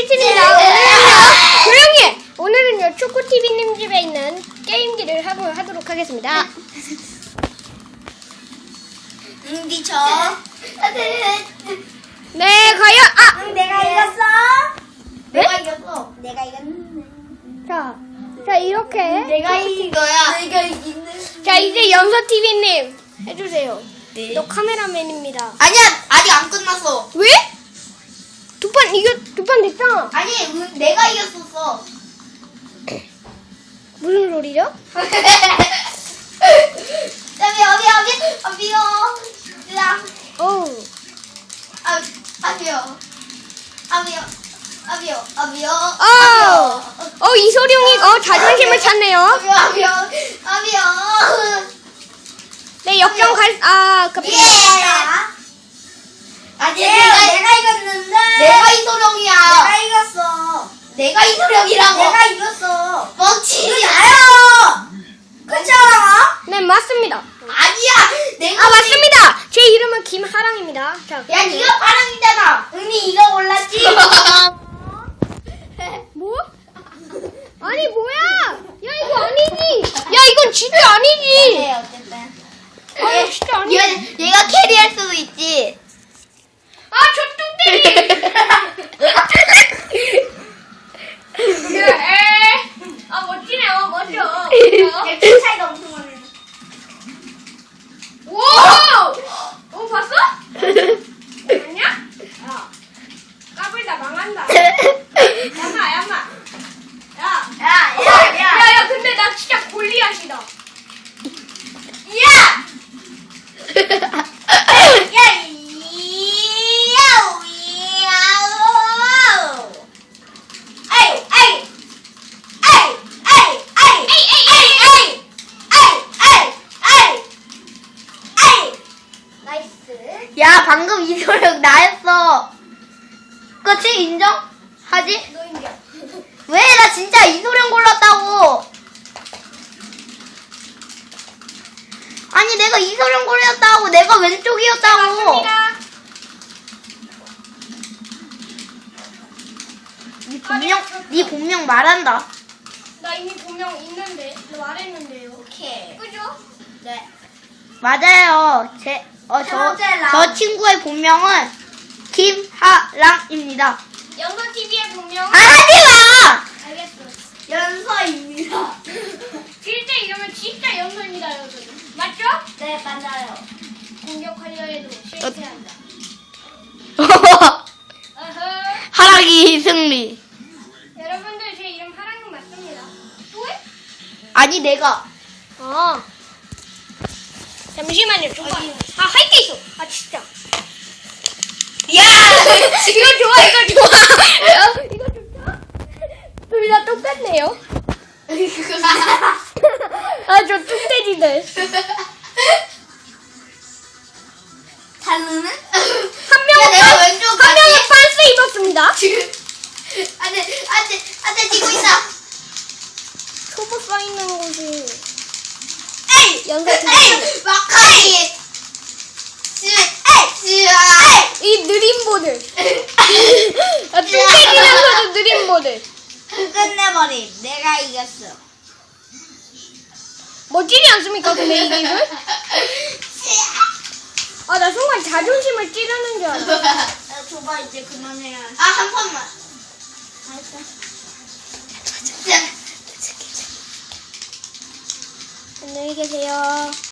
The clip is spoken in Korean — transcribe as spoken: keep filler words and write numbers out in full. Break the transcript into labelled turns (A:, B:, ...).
A: 칠칠입니다. 오늘은요, 조용히 해! 오늘은요, 초코티비님 집에 있는 게임기를 하고, 하도록 하겠습니다.
B: 응, 니저.
A: 네, 과연, 아!
B: 응, 내가 이겼어.
A: 네?
B: 내가 이겼어. 내가 이겼는데.
A: 자, 자, 이렇게.
B: 내가 이긴 거야. 내가 이겼는데.
A: 자, 이제 연서티비님, 해주세요.
B: 네.
A: 너 카메라맨입니다.
B: 아니야, 아직 안 끝났어.
A: 왜? 두 판 이겨, 두 판 됐잖아.
B: 아니, 응, 내가 이겼었어.
A: 무슨 소리죠?
B: 여기, 여기, 여기, 아비요. 야,
A: 어우.
B: 아, 아비요. 아비요. 아비요. 아비요.
A: 어, 어, 이소룡이, 어, 자존심을 찾네요.
B: 아비요, 아비요. 아비요.
A: 네, 역전 갈, 아, 그,
B: 예. 아니, 내가, 내가 이겼는데. 내가 이소룡이야. 내가 이겼어. 내가 이소룡이라고. 내가 이겼어. 뻥치지 나요. 그렇지 않아?
A: 네, 맞습니다.
B: 아니야. 내가.
A: 아, 맞습니다. 제 이름은 김하랑입니다. 자,
B: 야, 네가 파랑이잖아. 은희 이거 몰랐지?
A: 뭐? 아니, 뭐야? 야, 이거 아니지. 야, 이건 진짜 아니지.
B: 네, 어쨌든.
A: 아, 진짜 아니지.
B: 얘가, 얘가 캐리할 수도 있지.
A: 아, 저 뚱땡이. 에, 아, 멋지네. 어, 멋져. 어.
B: 키 차이가 엄청 많네.
A: 오! 어, 봤어? 아니야? 야, 까불다 망한다. 야마, 야마. 야,
B: 야, 야, 야.
A: 야, 야, 근데 나 진짜 골리앗이다.
B: 야! 야, 이야우, 이야우. 에이, 에이. 에이, 에이, 에이. 에이, 에이, 에이. 에이, 에이, 에이. 에이. 나이스. 야, 방금 이소룡 나였어. 그치? 인정? 하지?
A: 너 인정.
B: 왜? 나 진짜 이소룡 골랐다고. 아니, 내가 이소룡 골랐다고. 내가 왼쪽이었다고.
A: 맞습니다.
B: 네 본명, 네 본명 말한다.
A: 나 이미 분명 있는데, 말했는데요.
B: 오케이.
A: 그죠?
B: 네. 맞아요. 제, 어,
A: 세
B: 저,
A: 번째 라운드.
B: 저 친구의 본명은 김하랑입니다.
A: 연서티비의 분명은
B: 아, 하지 마!
A: 알겠어.
B: 연서입니다.
A: 실제 이름은 진짜 연서입니다, 여러분. 맞죠?
B: 네, 맞아요.
A: 공격하려 해도 실패한다. 어허.
B: 하랑이 승리.
A: 여러분들 제 이름 하랑은 맞습니다. 또 해?
B: 아니, 내가.
A: 아. 잠시만요, 좀 봐. 아, 할 게 있어. 아, 진짜.
B: 야!
A: 이거 좋아, 이거 좋아. 이거 좋다. 둘 다 똑같네요. 아, 저 뚱돼지들.
B: 다르는?
A: 한 명은,
B: 야, 내가
A: 반-
B: 왼쪽
A: 한
B: 같이-
A: 명은 반스 입었습니다.
B: 지금. 안 돼, 안 돼, 안 돼, 지고 있어.
A: 초보 써있는 곳이
B: 에이!
A: 연서티비.
B: 에이! 마카이! 지, 에이! 지, 에이!
A: 이 느린 보들. 아, 뚱돼지면서도 느린 보들.
B: 끝내버림. 내가 이겼어.
A: 멋지지 않습니까, 근데 이 기술? 아, 나 순간 자존심을 찌르는 줄 알았어.
B: 야, 줘봐, 이제 그만해야. 아, 한 번만. 알았어.
A: 안녕히 계세요.